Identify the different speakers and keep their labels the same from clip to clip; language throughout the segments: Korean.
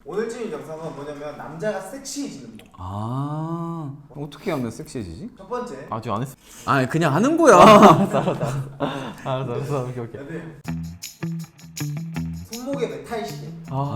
Speaker 1: 오늘 찍은 영상은 뭐냐면 남자가 섹시해지는 거.
Speaker 2: 아 어떻게 하면 섹시해지지?
Speaker 1: 첫 번째.
Speaker 3: 아직 안 했어.
Speaker 2: 아 그냥 하는 거야.
Speaker 3: 알았어. 오케이.
Speaker 1: 손목에 메탈 시계.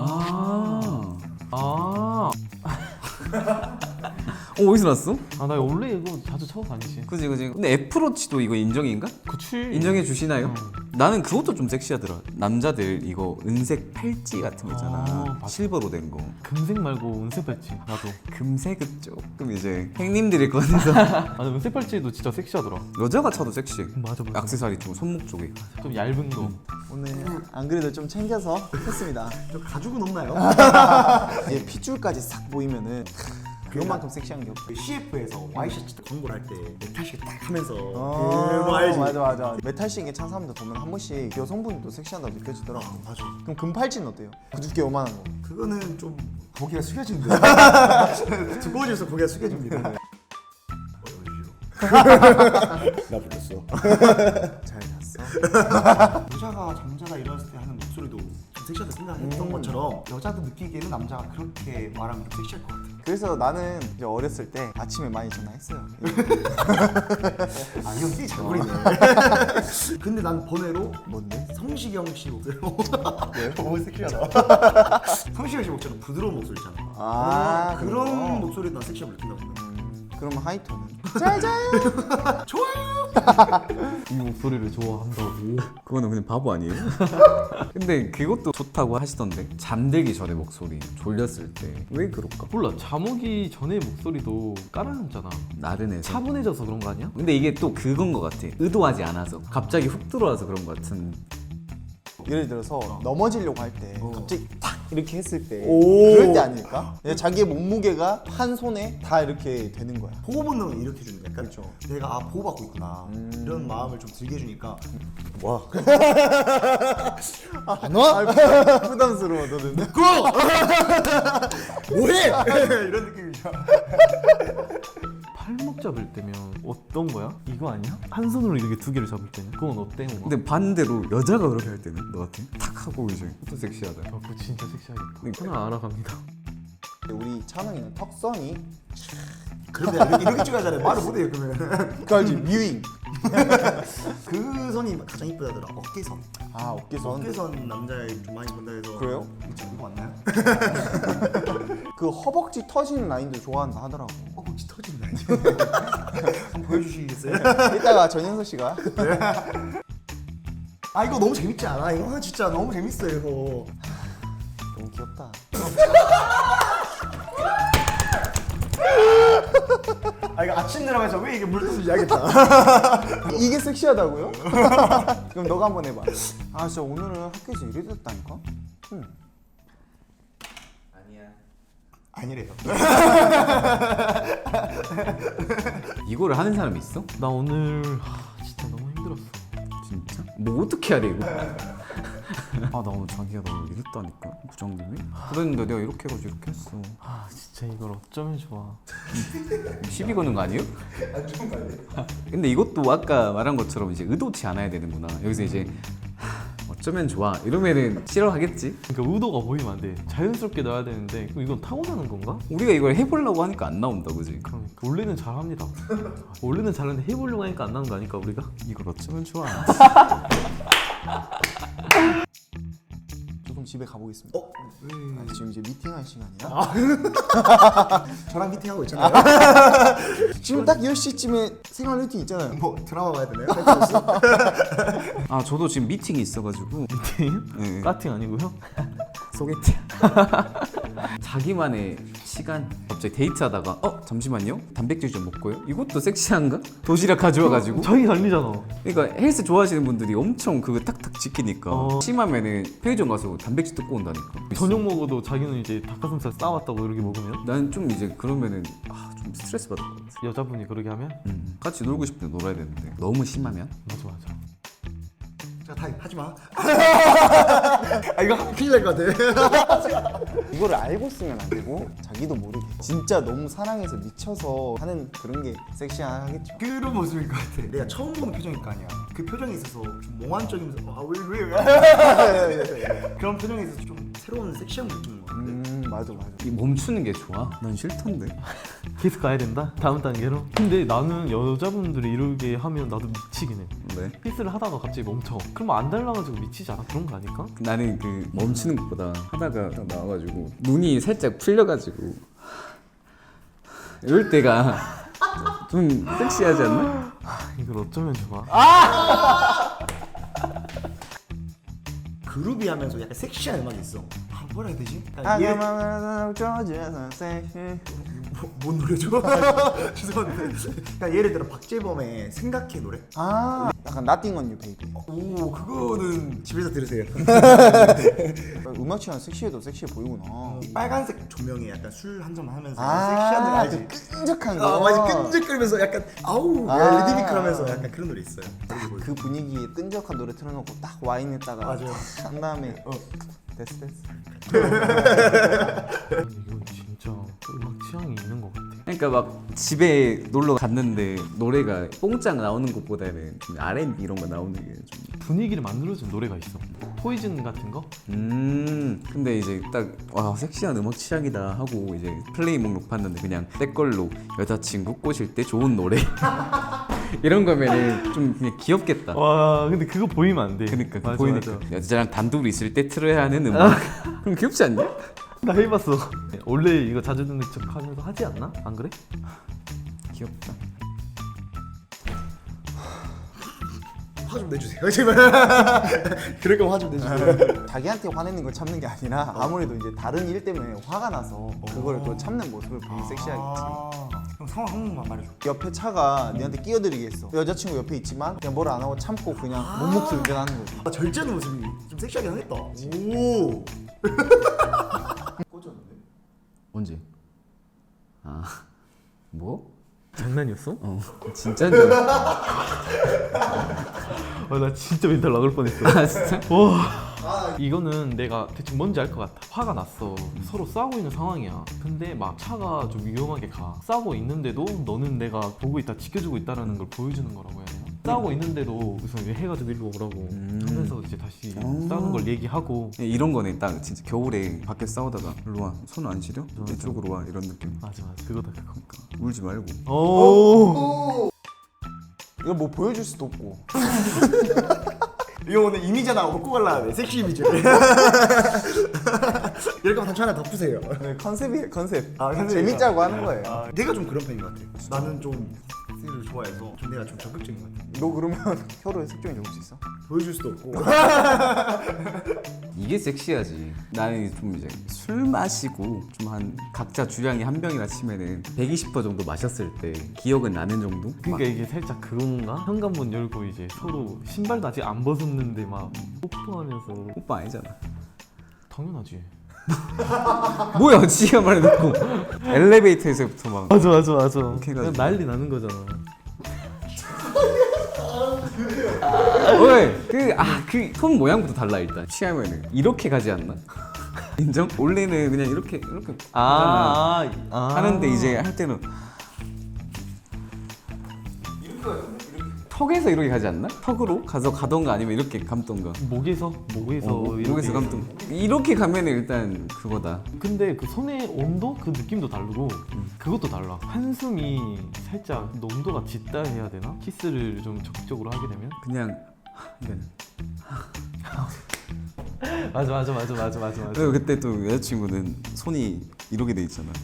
Speaker 2: 어디서 났어?
Speaker 3: 나 원래 이거 자주 차고 다니지.
Speaker 2: 그지. 근데 애플워치도 이거 인정인가?
Speaker 3: 그치.
Speaker 2: 인정해 주시나요?
Speaker 3: 응.
Speaker 2: 나는 그것도 좀 섹시하더라. 남자들 이거 은색 팔찌 같은 거 있잖아.
Speaker 3: 맞아.
Speaker 2: 실버로 된 거.
Speaker 3: 금색 말고 은색 팔찌. 나도.
Speaker 2: 금색은 조금 이제 행님들일 것 같아서.
Speaker 3: 나 은색 팔찌도 진짜 섹시하더라.
Speaker 2: 여자가 차도 섹시해.
Speaker 3: 맞아.
Speaker 2: 액세서리 쪽 손목 쪽에.
Speaker 3: 좀 얇은 거.
Speaker 1: 오늘 안 그래도 좀 챙겨서 했습니다.
Speaker 4: 저 가죽은 없나요?
Speaker 1: 이게 핏줄까지 싹 보이면은 그것만큼 섹시한 게 없어.
Speaker 4: CF에서 와이셔츠 광고를 할 때 메탈시계 딱 하면서 그거 알지?
Speaker 1: 맞아. 메탈 시계 찬 사람들 보면 한 번씩 여성분도 섹시하다고 느껴지더라고.
Speaker 4: 맞아.
Speaker 1: 그럼 금팔찌는 어때요? 그 두께 요만한 거.
Speaker 4: 그거는 좀 고개가 숙여진대. 두꺼워져서 고개가 숙여집니다. 나 불렀어.
Speaker 1: 잘 잤어?
Speaker 4: 여자가 잠자다 일어났을 때 하는 목소리도 좀 섹시하다 생각했던 것처럼 여자도 느끼기에는 남자가 그렇게 말하면 좀 섹시할 것 같아.
Speaker 1: 그래서 나는 이제 어렸을 때 아침에 많이 전화했어요.
Speaker 4: 아, 형 끼 잘 부리네. 근데 난 번외로
Speaker 1: 뭔데?
Speaker 4: 성시경 씨 목소리. 왜? 너무 섹시하다. 성시경 씨 목소리는 부드러운 목소리 있잖아.
Speaker 1: 아,
Speaker 4: 그런
Speaker 1: 그런 거.
Speaker 4: 목소리도 난 섹시함을 느낀다고 생각해.
Speaker 1: 그러면 하이톤은? 잘 자요!
Speaker 3: 이 목소리를 좋아한다고.
Speaker 2: 그거는 그냥 바보 아니에요? 근데 그것도 좋다고 하시던데. 잠들기 전에 목소리 졸렸을 때 왜 그럴까?
Speaker 3: 몰라. 잠 오기 전에 목소리도 깔아놨잖아.
Speaker 2: 나른해서.
Speaker 3: 차분해져서 그런 거 아니야?
Speaker 2: 근데 이게 또 그건 것 같아. 의도하지 않아서 갑자기 훅 들어와서 그런 것 같은.
Speaker 1: 예를 들어서 넘어지려고 할 때 갑자기 탁 이렇게 했을 때
Speaker 4: 오.
Speaker 1: 그럴 때 아닐까? 자기의 몸무게가 한 손에 다 이렇게 되는 거야.
Speaker 4: 보호 본능을 일으켜 주는 거야.
Speaker 1: 그렇죠.
Speaker 4: 내가 보호받고 있구나 이런 마음을 좀 들게 해주니까
Speaker 1: 와. 안 와? 부담스러워 너는.
Speaker 4: 뭐해? 이런 느낌이죠.
Speaker 3: 팔목 잡을 때면 어떤 거야? 이거 아니야? 한 손으로 이렇게 두 개를 잡을 때는 그건 어때? 뭔가?
Speaker 2: 근데 반대로 여자가 그렇게 할 때는 너 같아? 탁 하고 이제 또 섹시하다.
Speaker 3: 그거 진짜 섹시하겠다. 하나 알아갑니다.
Speaker 1: 우리 찬웅이는 턱선이
Speaker 4: 그런데 이렇게 찍어야 말을 못해요 그러면.
Speaker 1: 그 알지? 뮤잉.
Speaker 4: 그 선이 가장 이쁘다더라. 어깨선.
Speaker 1: 아 어깨선.
Speaker 4: 어깨선 남자애 좀 많이 본다 해서.
Speaker 1: 그래요?
Speaker 4: 이거 맞나요?
Speaker 1: 그 허벅지 터지는 라인도 좋아한다 하더라고.
Speaker 4: 혹시 터진다 이제. 한번 보여주시겠어요?
Speaker 1: 이따가 전현석 씨가
Speaker 4: 아 이거 너무 재밌지 않아? 이거 진짜 너무 재밌어요 이거.
Speaker 1: 너무 귀엽다.
Speaker 4: 아 이거 아침 드라마에서 왜 이게 물뜻을 이야기했다.
Speaker 1: 이게 섹시하다고요? 그럼 너가 한번 해봐. 아 진짜 오늘은 학교에서 이래 됐다니까?
Speaker 4: 아니래요.
Speaker 2: 이거를 하는 사람이 있어?
Speaker 3: 나 오늘 진짜 너무 힘들었어.
Speaker 2: 진짜? 뭐 어떻게 해야 돼 이거? 아 나 오늘 자기가 너 이랬다니까 부장님이? 그랬는데 내가 이렇게 해가지고 이렇게 했어.
Speaker 3: 진짜 이걸 어쩌면 좋아.
Speaker 2: 시비 거는 거 아니에요? 안 좋은 거 아니에요? 근데 이것도 아까 말한 것처럼 이제 의도치 않아야 되는구나. 여기서 이제 어쩌면 좋아 이러면은 싫어하겠지?
Speaker 3: 그러니까 의도가 보이면 안 돼. 자연스럽게 넣어야 되는데 그럼 이건 타고나는 건가?
Speaker 2: 우리가 이걸 해보려고 하니까 안 나온다 그지?
Speaker 3: 그러니까 원래는 잘합니다. 원래는 잘하는데 해보려고 하니까 안 나는 거 아닐까 우리가?
Speaker 2: 이걸 어쩌면 좋아.
Speaker 1: 조금 집에 가보겠습니다. 아, 지금 이제 미팅할 시간이야?
Speaker 4: 저랑 미팅하고 있잖아요.
Speaker 1: 지금 딱 10시쯤에 생활 루틴 있잖아요.
Speaker 4: 뭐 드라마 봐야 되나요?
Speaker 2: 아 저도 지금 미팅이 있어가지고 네.
Speaker 3: 까팅 아니고요?
Speaker 2: 소개팅. 자기만의 시간. 갑자기 데이트하다가 잠시만요 단백질 좀 먹고요. 이것도 섹시한가? 도시락 가져와가지고.
Speaker 3: 자기 달리잖아.
Speaker 2: 그러니까 헬스 좋아하시는 분들이 엄청 그거 탁탁 지키니까 심하면은 편의점 가서 단백질 뜯고 온다니까.
Speaker 3: 저녁 먹어도 자기는 이제 닭가슴살 싸왔다고 이렇게 먹으면
Speaker 2: 나는 좀 이제 그러면은 좀 스트레스 받을 것 같아.
Speaker 3: 여자분이 그러게 하면
Speaker 2: 같이 놀고 싶을 때 놀아야 되는데 너무 심하면
Speaker 3: 맞아.
Speaker 4: 자 타임 하지 마. 아 이거 하면 큰일 날 것 같아.
Speaker 1: 이거를 알고 쓰면 안 되고 자기도 모르게 진짜 너무 사랑해서 미쳐서 하는 그런 게 섹시하겠죠.
Speaker 4: 그런 모습일 것 같아. 내가 처음 보는 표정일 거 아니야. 그 표정에 있어서 좀 몽환적이면서 아왜 그런 표정에 있어서 좀 새로운 섹시한 느낌인 것 같아.
Speaker 1: 맞아.
Speaker 2: 이 멈추는 게 좋아? 난 싫던데.
Speaker 3: 계속 가야 된다? 다음 단계로? 근데 나는 여자분들이 이러게 하면 나도 미치긴 해.
Speaker 2: 왜?
Speaker 3: 키스를 하다가 갑자기 멈춰. 그러면 안 달라가지고 미치지 않아? 그런 거 아닐까?
Speaker 2: 나는 그 멈추는 것보다 하다가 딱 나와가지고 눈이 살짝 풀려가지고 이럴 때가 좀 섹시하지 않나?
Speaker 3: 이걸 어쩌면 좋아?
Speaker 4: 그루비 하면서 약간 섹시한 음악이 있어. 뭐라 해야 되지? 그러니까 뭔 노래죠? 죄송한데. 그러니까 예를 들어 박재범의 생각해 노래.
Speaker 1: 약간 Nothing on You Baby.
Speaker 4: 오 그거는 집에서 들으세요.
Speaker 1: 음악 취향 섹시해도 섹시해 보이구나.
Speaker 4: 빨간색 조명에 약간 술 한 잔만 하면서 섹시한 노래 알지?
Speaker 1: 그 끈적한 거.
Speaker 4: 맞아 끈적거리면서 약간 아우 리드미컬하면서 약간 그런 노래 있어요.
Speaker 1: 그 분위기에 끈적한 노래 틀어놓고 딱 와인에다가
Speaker 4: 맞아요.
Speaker 1: 한 다음에 됐어.
Speaker 3: 이건 진짜 음악 취향이 있는 것 같아.
Speaker 2: 그러니까 막 집에 놀러 갔는데 노래가 뽕짝 나오는 것보다는 좀 R&B 이런 거 나오는 게 좀.
Speaker 3: 분위기를 만들어준 노래가 있어. 포이즌 같은 거?
Speaker 2: 근데 이제 딱 와 섹시한 음악 취향이다 하고 이제 플레이 목록 봤는데 그냥 때 걸로 여자친구 꼬실 때 좋은 노래 이런 거면은 좀 그냥 귀엽겠다.
Speaker 3: 와 근데 그거 보이면 안 돼.
Speaker 2: 그러니까
Speaker 3: 맞아,
Speaker 2: 보이니까
Speaker 3: 맞아.
Speaker 2: 여자랑 단둘이 있을 때 틀어야 하는 음악. 그럼 귀엽지 않냐?
Speaker 3: 나 해봤어. 원래 이거 자주 듣는 척 하면서 하지 않나? 안 그래?
Speaker 2: 귀엽다.
Speaker 4: 화 좀 내주세요. 제발. 그럴 거면 화 좀 내주세요.
Speaker 1: 자기한테 화내는 걸 참는 게 아니라 아무래도 이제 다른 일 때문에 화가 나서 그걸 또 참는 모습을 보면 섹시하겠지.
Speaker 4: 그럼 상황 한 번만 말해줘.
Speaker 1: 옆에 차가 니한테 끼어들이겠어. 여자친구 옆에 있지만 그냥 뭘 안 하고 참고 그냥 묵묵히 운전하는 거지.
Speaker 4: 절제하는 모습이 좀 섹시하게 하겠다. 오. 꽂았는데?
Speaker 2: 언제? 아 뭐?
Speaker 3: 장난이었어?
Speaker 2: 진짜인 줄 알았어.
Speaker 3: 나 진짜 멘탈 나갈 뻔했어.
Speaker 2: 아 진짜?
Speaker 3: 와. 이거는 내가 대충 뭔지 알 것 같아. 화가 났어. 서로 싸우고 있는 상황이야. 근데 막 차가 좀 위험하게 가. 싸우고 있는데도 너는 내가 보고 있다, 지켜주고 있다라는 걸 보여주는 거라고 해야 되나? 싸우고 있는데도 우선 해가지고 일로 오라고 하면서 이제 다시 싸우는 걸 얘기하고.
Speaker 2: 이런 거네 딱 진짜 겨울에 밖에 싸우다가 일로 와 손 안 시려? 이쪽으로 와 이런 느낌.
Speaker 3: 맞아 그거다 그거.
Speaker 2: 울지 말고.
Speaker 3: 오.
Speaker 1: 이거 뭐 보여줄 수도 없고.
Speaker 4: 이거 오늘 이미지 하나 먹고 갈라 돼. 섹시 이미지를. 이럴 거면 단추 하나 더 푸세요.
Speaker 1: 네, 컨셉이에요 컨셉.
Speaker 4: 컨셉이다.
Speaker 1: 재밌자고 하는 거예요.
Speaker 4: 내가 좀 그런 편인 것 같아. 나는 좀 섹시를 좋아해서 좀 내가 좀 적극적인 것 같아.
Speaker 1: 너 그러면 혀로 색종이 적을 수 있어?
Speaker 4: 보여줄 수도 없고.
Speaker 2: 이게 섹시하지. 나는 좀 이제 술 마시고 좀 한 각자 주량이 한 병이라 치면은 120% 정도 마셨을 때 기억은 나는 정도?
Speaker 3: 그러니까 이게 살짝 그건가? 현관문 열고 이제 서로 신발도 아직 안 벗었는데 막 뽀뽀하면서.
Speaker 2: 오빠 아니잖아.
Speaker 3: 당연하지.
Speaker 2: 뭐야 지가 말해놓고 엘리베이터에서부터 막
Speaker 3: 맞아.
Speaker 2: 해가지고.
Speaker 3: 그냥 난리 나는 거잖아.
Speaker 2: 그 손 모양부터 달라 일단. 취하면은 이렇게 가지 않나? 인정? 원래는 그냥 이렇게 하는데 이제 할 때는 턱에서 이렇게 가지 않나? 턱으로 가던가 아니면 이렇게 감던가.
Speaker 3: 목에서 이렇게.
Speaker 2: 목에서 감던. 이렇게 가면은 일단 그거다.
Speaker 3: 근데 그 손의 온도 그 느낌도 다르고 그것도 달라. 한숨이 살짝 농도가 짙다 해야 되나? 키스를 좀 적극적으로 하게 되면.
Speaker 2: 그냥 이거는.
Speaker 3: 맞아.
Speaker 2: 그리고 그때 또 여자친구는 손이 이렇게 돼 있잖아.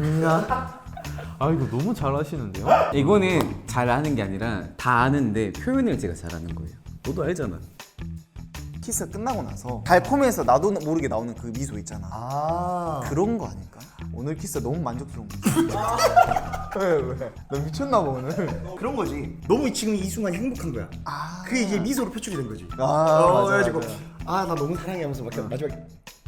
Speaker 3: 아 이거 너무 잘하시는데요?
Speaker 2: 이거는 잘하는 게 아니라 다 아는데 표현을 제가 잘하는 거예요. 너도 알잖아.
Speaker 1: 키스가 끝나고 나서 달콤해서 나도 모르게 나오는 그 미소 있잖아. 그런 거 아닐까? 오늘 키스 너무 만족스러운 거. 왜? 너 미쳤나 봐 오늘.
Speaker 4: 그런 거지. 너무 지금 이 순간이 행복한 거야. 그게 이게 미소로 표출이 된 거지.
Speaker 1: 맞아.
Speaker 4: 그래가지고 나 너무 사랑해 하면서 막 마지막에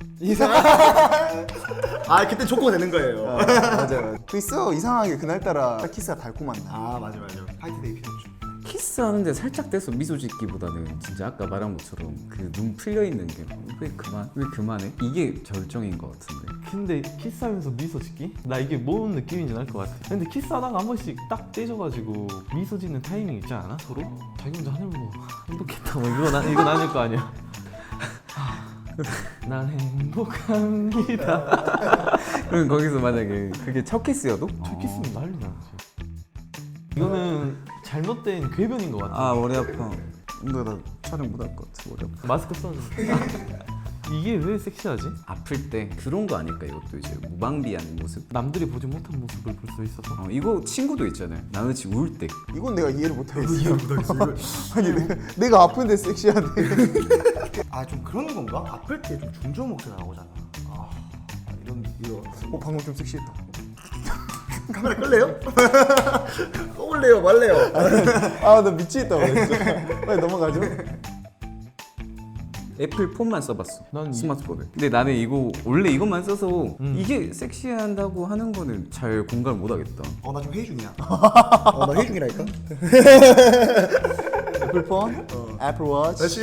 Speaker 4: 그때 조커가 되는 거예요.
Speaker 1: 맞아요. 그 있어 이상하게 그날따라 키스가 달콤한 날.
Speaker 4: 맞아. 화이트데이 피노죠.
Speaker 2: 키스하는데 살짝 떼서 미소 짓기보다는 진짜 아까 말한 것처럼 그 눈 풀려 있는 게 왜 그만해? 이게 절정인 것 같은데.
Speaker 3: 근데 키스하면서 미소 짓기? 나 이게 뭔 느낌인지 알 것 같아. 근데 키스하다가 한 번씩 딱 떼져가지고 미소 짓는 타이밍 있지 않아? 서로? 자기 혼자 하늘 보고 행복했다 뭐 이건 아닐 거 아니야. 난 행복합니다.
Speaker 2: 그럼 거기서 만약에 그게 첫 키스여도?
Speaker 3: 첫 키스면 난리 나지. 이거는 잘못된 궤변인 것 같아.
Speaker 2: 아 머리 아파. 근데 나 촬영 못 할 것 같아. 머리 아파.
Speaker 3: 마스크 써는. 이게 왜 섹시하지?
Speaker 2: 아플 때 그런 거 아닐까? 이것도 이제 무방비한 모습.
Speaker 3: 남들이 보지 못한 모습을 볼 수 있어서.
Speaker 2: 이거 친구도 있잖아요. 나는 지금 울 때.
Speaker 1: 이건 내가 이해를 못하겠어. 아니 내가 아픈데 섹시하네.
Speaker 4: 아 좀 그런 건가? 아플 때 좀 중저음 목소리 나오잖아. 이런
Speaker 1: 방금 좀 섹시했다.
Speaker 4: 카메라 끌래요? 꺼올래요 말래요?
Speaker 1: 아 나 미치겠다 진짜. 빨리 넘어가죠.
Speaker 2: 애플 폰만 써봤어.
Speaker 3: 난
Speaker 2: 스마트폰을. 근데 나는 이거 원래 이것만 써서 이게 섹시한다고 하는 거는 잘 공감을 못 하겠다.
Speaker 4: 나 좀 회의 중이야. 나 회의 중이라니까.
Speaker 1: 애플폰, 애플 워치.
Speaker 4: 다시.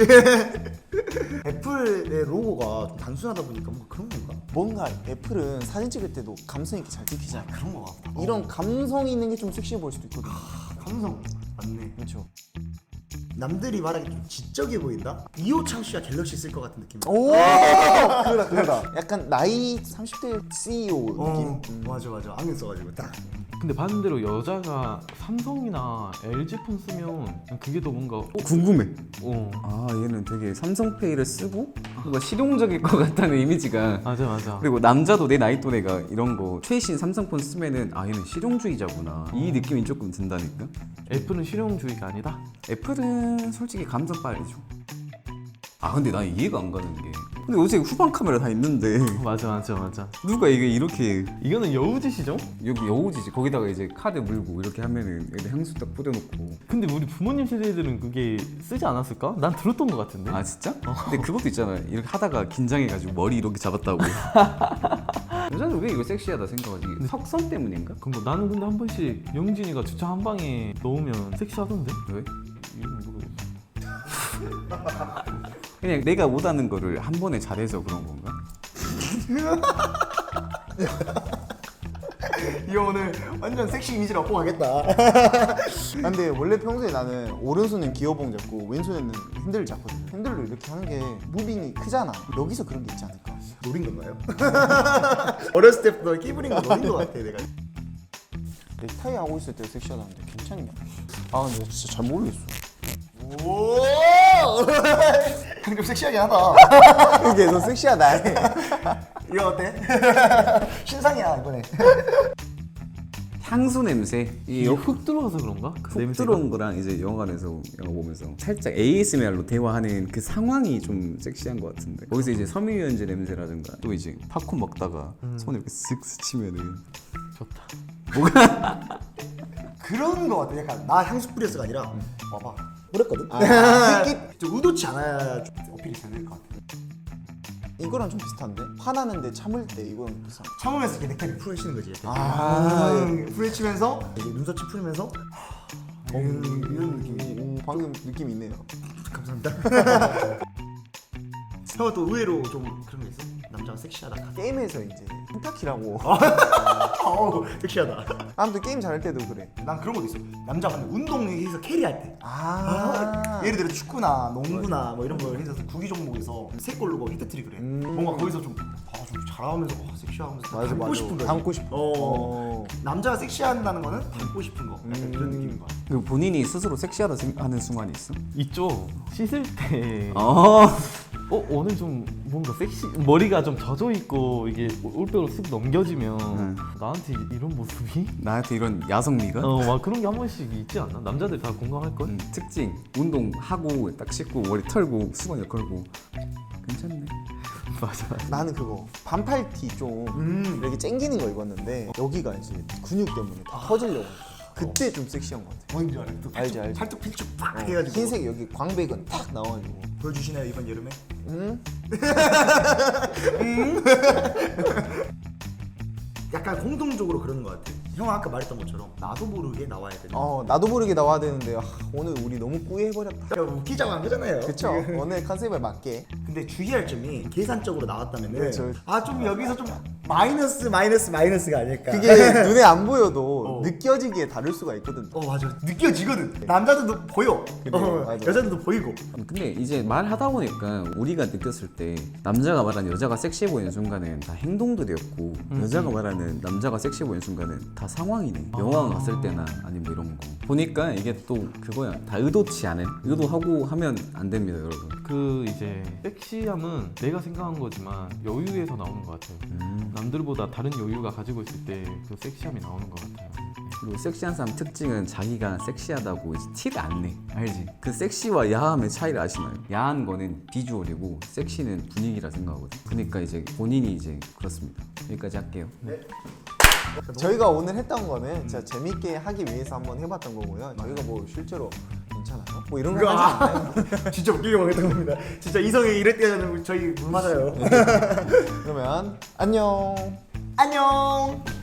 Speaker 4: 애플의 로고가 좀 단순하다 보니까 뭔가 그런 건가?
Speaker 1: 뭔가 애플은 사진 찍을 때도 감성 있게 잘 찍히잖아.
Speaker 4: 그런 거 같다.
Speaker 1: 이런 감성 있는 게 좀 섹시해 보일 수도 있거든.
Speaker 4: 감성 맞네.
Speaker 1: 그렇죠.
Speaker 4: 남들이 말하기 좀 지적해 보인다? 이호창 씨가 갤럭시 쓸 것 같은 느낌.
Speaker 1: 오, 그거다. 약간 나이 30대 CEO 느낌.
Speaker 4: 맞아. 안경 써가지고 딱.
Speaker 2: 근데 반대로 여자가 삼성이나 LG 폰 쓰면 그게 더 뭔가 궁금해. 아 얘는 되게 삼성페이를 쓰고 뭔가 실용적일 것 같다는 이미지가.
Speaker 3: 맞아.
Speaker 2: 그리고 남자도 내 나이 또래가 이런 거 최신 삼성폰 쓰면은 아 얘는 실용주의자구나 이 느낌이 조금 든다니까.
Speaker 3: 애플은 실용주의가 아니다?
Speaker 2: 애플은 솔직히 감성 빨리죠. 아 근데 난 이해가 안 가는 게 근데 어제 후방 카메라 다 있는데
Speaker 3: 맞아.
Speaker 2: 누가 이게 이렇게
Speaker 3: 이거는 여우짓이죠?
Speaker 2: 여기 여우지지 거기다가 이제 카드 물고 이렇게 하면은 여기 향수 딱 뿌려놓고.
Speaker 3: 근데 우리 부모님 세대들은 그게 쓰지 않았을까? 난 들었던 것 같은데.
Speaker 2: 아 진짜? 근데 그것도 있잖아. 이렇게 하다가 긴장해가지고 머리 이렇게 잡았다고. 여자는 왜 이거 섹시하다 생각하지? 석선 때문인가?
Speaker 3: 그럼 나는 근데 한 번씩 영진이가 주차 한 방에 넣으면 섹시하던데?
Speaker 2: 왜?
Speaker 3: 이건 모르겠어.
Speaker 2: 그냥 내가 못하는 거를 한 번에 잘해서 그런 건가?
Speaker 4: 이 오늘 완전 섹시 이미지를 얻고 가겠다.
Speaker 1: 근데 원래 평소에 나는 오른손은 기어봉 잡고 왼손에는 핸들을 잡거든. 핸들로 이렇게 하는 게 무빙이 크잖아. 여기서 그런 게 있지 않을까?
Speaker 4: 노린 건가요? 어렸을 때부터 끼부린 거 노린 거 같아 내가.
Speaker 1: 넥타이 하고 있을 때 섹시하다는데 괜찮냐? 아 근데 진짜 잘 모르겠어.
Speaker 4: 오! 좀 섹시하게 하다.
Speaker 1: 이게 너 섹시하다.
Speaker 4: 이거 어때? 신상이야 이번에.
Speaker 2: 향수 냄새.
Speaker 3: 이게 훅 들어와서 그런가? 그
Speaker 2: 훅
Speaker 3: 냄새가?
Speaker 2: 들어온 거랑 이제 영화관에서 영화 보면서 살짝 ASMR로 대화하는 그 상황이 좀 섹시한 것 같은데 거기서 이제 섬유유연제 냄새라든가 또 이제 팝콘 먹다가 손을 이렇게 쓱 스치면은
Speaker 3: 좋다.
Speaker 4: 그런 거 같아. 약간 나 향수 뿌렸어가 아니라 와봐. 뿌렸거든. 좀 의도치 않아야 좀 어필이 되는 것 같아.
Speaker 1: 이거랑 좀 비슷한데? 화나는데 참을 때 이거랑 비슷한.
Speaker 4: 참으면서 이렇게 넥타이를 풀어치는 거지. 풀어치면서 이게 눈썹치 풀면서 이런 느낌이.
Speaker 1: 방금 느낌 있네요.
Speaker 4: 감사합니다. 형은 또 의외로 좀 그런 게 있어? 남자가 섹시하다.
Speaker 1: 게임에서 이제 펜타키라고.
Speaker 4: 어우 섹시하다.
Speaker 1: 아무튼 게임 잘할 때도 그래.
Speaker 4: 난 그런 것도 있어. 남자가 운동에서 캐리할 때.
Speaker 1: 아.
Speaker 4: 예를 들어 축구나 농구나 뭐 이런 걸 해서 구기 종목에서 세 골로 뭐 히트트릭 그래. 뭔가 거기서 좀 잘하면서 섹시하면서
Speaker 1: 맞아,
Speaker 4: 닮고
Speaker 1: 맞아.
Speaker 4: 싶은 거지.
Speaker 1: 닮고 싶어.
Speaker 4: 남자가 섹시한다는 거는 닮고 싶은 거. 약간 그런 느낌인 거야.
Speaker 2: 그 본인이 스스로 섹시하다 하는 순간이 있어?
Speaker 3: 있죠. 씻을 때
Speaker 2: 아
Speaker 3: 오늘 좀 뭔가 섹시 머리가 좀 젖어 있고 이게 올백으로 쓱 넘겨지면 나한테 이런 모습이
Speaker 2: 나한테 이런 야성미가?
Speaker 3: 막 그런 게 한 번씩 있지 않나? 남자들 다 공감할 걸?
Speaker 2: 특징 운동하고 딱 씻고 머리 털고 수건을 걸고 괜찮네.
Speaker 3: 맞아.
Speaker 1: 나는 그거 반팔티 좀 이렇게 쨍기는 거 입었는데 여기가 이제 근육 때문에 다 퍼지려고 하니까 그때 좀 섹시한 것 같아.
Speaker 4: 뭔지 알아? 또
Speaker 1: 알지, 알지.
Speaker 4: 팔뚝 필쭉 팍 해가지고.
Speaker 1: 흰색 여기 광배근 탁 나와가지고.
Speaker 4: 보여주시나요 이번 여름에? 약간 공통적으로 그러는 것 같아. 형 아까 말했던 것처럼 나도 모르게 나와야 되는.
Speaker 1: 나도 모르게 나와야 되는데 오늘 우리 너무 꾸해버렸다.
Speaker 4: 웃기자고 한 거잖아요.
Speaker 1: 그쵸? 오늘 컨셉에 맞게.
Speaker 4: 근데 주의할 점이 계산적으로 나왔다면은
Speaker 1: 그렇죠.
Speaker 4: 좀 여기서 좀 마이너스가 아닐까.
Speaker 1: 그게 눈에 안 보여도 느껴지기에 다를 수가 있거든.
Speaker 4: 맞아, 느껴지거든. 남자들도 보여.
Speaker 1: 맞아.
Speaker 4: 여자들도 보이고.
Speaker 2: 근데 이제 말하다 보니까 우리가 느꼈을 때 남자가 말하는 여자가 섹시해 보이는 순간은 다 행동들이었고 여자가 말하는 남자가 섹시해 보이는 순간은 다 상황이네. 영화 갔을 때나 아니면 뭐 이런 거 보니까 이게 또 그거야. 다 의도치 않은 의도하고 하면 안 됩니다, 여러분.
Speaker 3: 그 이제 섹시함은 내가 생각한 거지만 여유에서 나오는 것 같아요. 남들보다 다른 여유가 가지고 있을 때 그 섹시함이 나오는 것 같아요.
Speaker 2: 그리고 섹시한 사람 특징은 자기가 섹시하다고 이제 티를 안 내. 알지? 그 섹시와 야함의 차이를 아시나요? 야한 거는 비주얼이고 섹시는 분위기라 생각하거든. 그러니까 이제 본인이 이제 그렇습니다. 여기까지 할게요.
Speaker 1: 저희가 오늘 했던 거는 진짜 재밌게 하기 위해서 한번 해봤던 거고요. 저희가 뭐 실제로 괜찮아요? 뭐 이런 거 하지 않나요?
Speaker 4: 진짜 웃기게 먹었던 겁니다. 진짜 이성이 이럴 때는 저희 물 맞아요.
Speaker 1: 그러면 안녕.
Speaker 4: 안녕.